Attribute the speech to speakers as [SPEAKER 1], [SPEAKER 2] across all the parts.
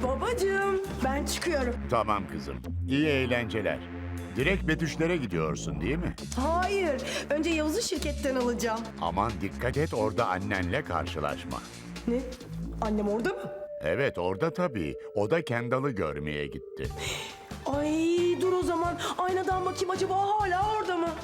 [SPEAKER 1] Babacığım, ben çıkıyorum.
[SPEAKER 2] Tamam kızım. İyi eğlenceler. Direkt Betüşlere gidiyorsun değil mi?
[SPEAKER 1] Hayır, önce Yavuz'u şirketten alacağım.
[SPEAKER 2] Aman dikkat et orada annenle karşılaşma.
[SPEAKER 1] Ne? Annem orada mı?
[SPEAKER 2] Evet orada tabii. O da Kendall'ı görmeye gitti.
[SPEAKER 1] Ay dur o zaman. Aynadan bakayım acaba hala orada mı?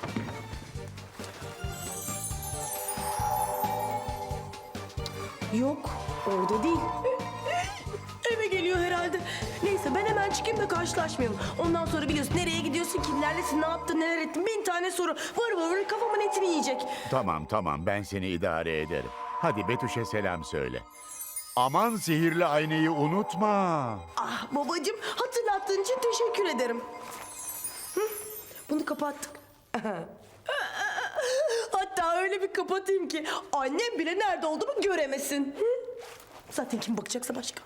[SPEAKER 1] Yok, orada değil. Eve geliyor herhalde. Neyse ben hemen çıkayım da karşılaşmayalım. Ondan sonra biliyorsun nereye gidiyorsun, kimlerlesin, ne yaptın, neler ettin. Bin tane soru. Vır kafamın etini yiyecek.
[SPEAKER 2] Tamam ben seni idare ederim. Hadi Betüş'e selam söyle. Aman sihirli aynayı unutma.
[SPEAKER 1] Ah babacığım hatırlattığın için teşekkür ederim. Hı, bunu kapattık. Hatta öyle bir kapatayım ki annem bile nerede olduğumu göremesin. Hı? Zaten kim bakacaksa başka.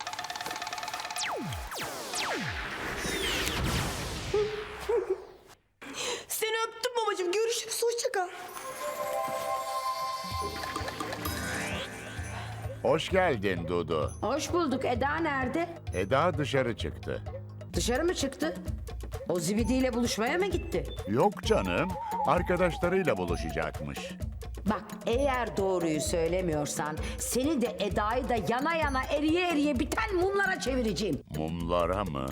[SPEAKER 1] Seni öptüm babacığım. Görüşürüz. Hoşça kal.
[SPEAKER 2] Hoş geldin Dudu.
[SPEAKER 3] Hoş bulduk. Eda nerede?
[SPEAKER 2] Eda dışarı çıktı.
[SPEAKER 3] Dışarı mı çıktı? O zibidiyle buluşmaya mı gitti?
[SPEAKER 2] Yok canım. Arkadaşlarıyla buluşacakmış.
[SPEAKER 3] Bak eğer doğruyu söylemiyorsan seni de Eda'yı da yana yana eriye eriye biten mumlara çevireceğim.
[SPEAKER 2] Mumlara mı?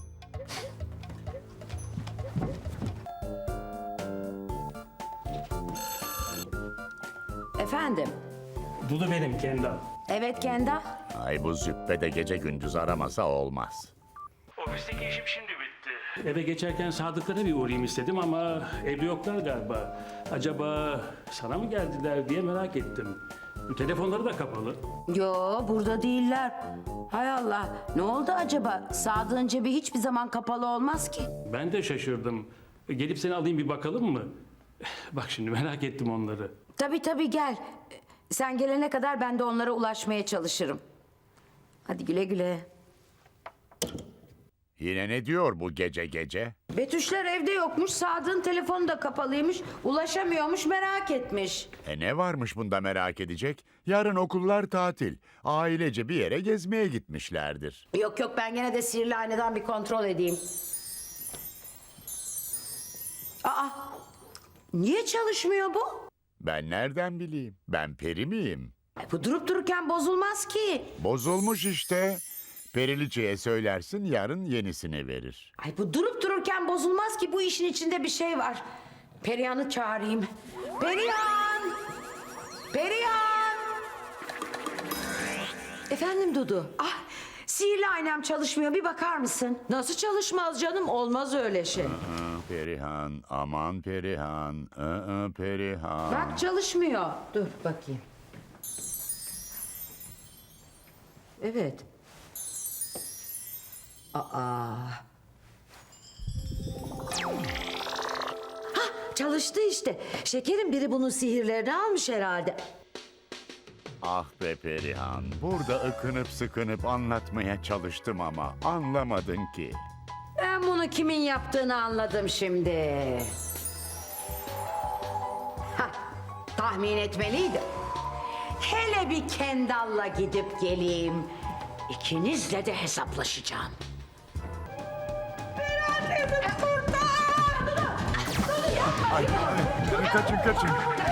[SPEAKER 3] Efendim?
[SPEAKER 4] Dudu benim Kendall.
[SPEAKER 3] Evet Kenda.
[SPEAKER 2] Ay bu züppe de gece gündüz aramasa olmaz.
[SPEAKER 4] Ofisteki işim şimdi bitti. Eve geçerken Sadıklara bir uğrayayım istedim ama evde yoklar galiba. Acaba sana mı geldiler diye merak ettim. Telefonları da kapalı.
[SPEAKER 3] Yo burada değiller. Hay Allah ne oldu acaba? Sadık'ın cebi hiçbir zaman kapalı olmaz ki.
[SPEAKER 4] Ben de şaşırdım. Gelip seni alayım bir bakalım mı? Bak şimdi merak ettim onları.
[SPEAKER 3] Tabii gel. Sen gelene kadar ben de onlara ulaşmaya çalışırım. Hadi güle güle.
[SPEAKER 2] Yine ne diyor bu gece gece?
[SPEAKER 3] Betüşler evde yokmuş, Sadık'ın telefonu da kapalıymış, ulaşamıyormuş, merak etmiş.
[SPEAKER 2] Ne varmış bunda merak edecek? Yarın okullar tatil. Ailece bir yere gezmeye gitmişlerdir.
[SPEAKER 3] Yok ben gene de sihirli aynadan bir kontrol edeyim. Aa, niye çalışmıyor bu?
[SPEAKER 2] Ben nereden bileyim? Ben peri miyim?
[SPEAKER 3] Bu durup dururken bozulmaz ki.
[SPEAKER 2] Bozulmuş işte. Periliçe'ye söylersin yarın yenisini verir.
[SPEAKER 3] Ay bu durup dururken bozulmaz ki, bu işin içinde bir şey var. Perihan'ı çağırayım. Perihan! Perihan!
[SPEAKER 5] Efendim Dudu?
[SPEAKER 3] Ah, sihirli aynam çalışmıyor, bir bakar mısın?
[SPEAKER 5] Nasıl çalışmaz canım? Olmaz öyle şey.
[SPEAKER 2] Perihan, aman Perihan, Perihan.
[SPEAKER 3] Bak çalışmıyor. Dur bakayım.
[SPEAKER 5] Evet. Aa. Çalıştı işte. Şekerin biri bunun sihirlerini almış herhalde.
[SPEAKER 2] Ah be Perihan, burada ıkınıp sıkınıp anlatmaya çalıştım ama anlamadın ki.
[SPEAKER 3] Ben bunu kimin yaptığını anladım şimdi. Hah, tahmin etmeliydim. Hele bir Kendall'la gidip geleyim. İkinizle de hesaplaşacağım.
[SPEAKER 2] Kaçın.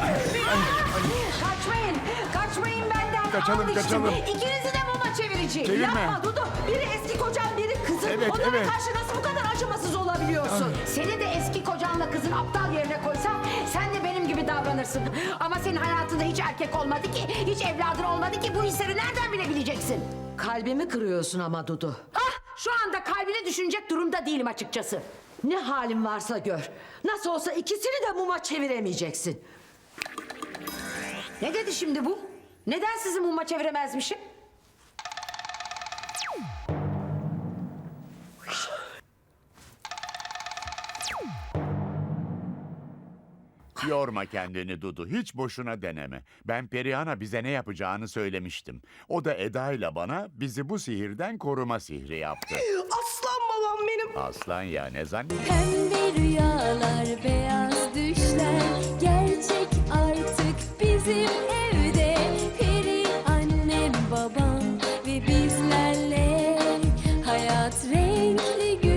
[SPEAKER 3] Kaçmayın benden.
[SPEAKER 2] Kaçalım,
[SPEAKER 3] Al işte.
[SPEAKER 2] kaçalım.
[SPEAKER 3] İkinizi de muma çevireceğim.
[SPEAKER 2] Çevirme.
[SPEAKER 5] Yapma Dudu. Biri eski kocan, biri kızın.
[SPEAKER 2] Evet,
[SPEAKER 5] Onlara
[SPEAKER 2] evet.
[SPEAKER 5] karşı nasıl bu kadar acımasız olabiliyorsun?
[SPEAKER 3] Seni de eski kocanla kızın aptal yerine koysam sen de benim gibi davranırsın. Ama senin hayatında hiç erkek olmadı ki, hiç evladın olmadı ki, bu hisleri nereden bilebileceksin?
[SPEAKER 5] Kalbimi kırıyorsun ama Dudu.
[SPEAKER 3] Ah, şu anda kalbini düşünecek durumda değilim açıkçası.
[SPEAKER 5] Ne halin varsa gör. Nasıl olsa ikisini de muma çeviremeyeceksin.
[SPEAKER 3] Ne dedi şimdi bu? Neden sizi muma çeviremezmişim?
[SPEAKER 2] Yorma kendini Dudu, hiç boşuna deneme. Ben Perihan'a bize ne yapacağını söylemiştim. O da Eda ile bana bizi bu sihirden koruma sihri yaptı.
[SPEAKER 1] Aslan babam benim.
[SPEAKER 2] Aslan ya ne zannediyorsun?
[SPEAKER 6] Pembe rüyalar, beyaz düşler gerçek artık bizim evde. Peri annem, babam ve bizlerle hayat renkli